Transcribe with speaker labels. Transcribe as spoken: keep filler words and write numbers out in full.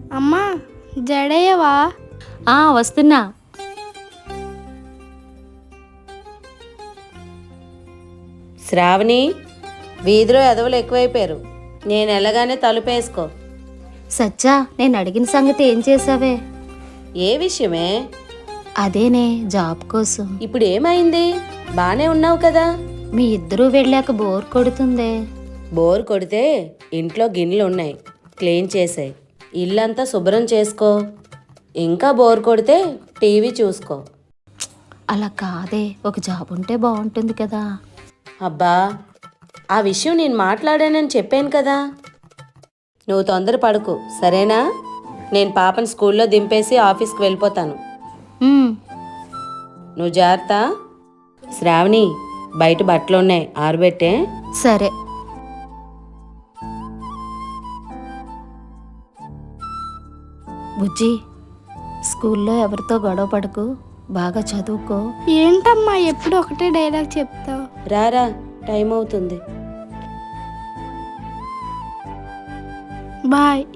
Speaker 1: అమ్మా జడేయవా?
Speaker 2: ఆ వస్తున్నా.
Speaker 3: శ్రావణి, వీధిలో ఎదవలు ఎక్కువైపోయారు. నేను ఎలాగానే తలుపేసుకో.
Speaker 2: సచ్చా, నేను అడిగిన సంగతి ఏం చేసావే?
Speaker 3: ఏ విషయమే?
Speaker 2: అదేనే, జాబ్ కోసం.
Speaker 3: ఇప్పుడు ఏమైంది? బానే ఉన్నావు కదా?
Speaker 2: మీ ఇద్దరూ వెళ్ళాక బోర్ కొడుతుందే.
Speaker 3: బోర్ కొడితే ఇంట్లో గిన్నెలు ఉన్నాయి, క్లీన్ చేసాయి. ఇల్లంతా శుభ్రం చేసుకో. ఇంకా బోర్ కొడితే టీవీ చూసుకో.
Speaker 2: అలా కాదే, ఒక జాబ్ ఉంటే బాగుంటుంది కదా.
Speaker 3: అబ్బా, ఆ విషయం నేను మాట్లాడానని చెప్పాను కదా. నువ్వు తొందర పడుకు, సరేనా? నేను పాపని స్కూల్లో దింపేసి ఆఫీస్కి వెళ్ళిపోతాను.
Speaker 2: ఉమ్,
Speaker 3: నువ్వు జాగ్రత్త. శ్రావణి, బయట బట్టలు ఉన్నాయి, ఆరబెట్టే.
Speaker 2: సరే. బుజ్జి, స్కూల్లో ఎవరితో గొడవ పడకు, బాగా చదువుకో.
Speaker 1: ఏంటమ్మా ఎప్పుడు ఒకటే డైలాగ్ చెప్తావు?
Speaker 3: రారా, టైం అవుతుంది.
Speaker 1: బాయ్.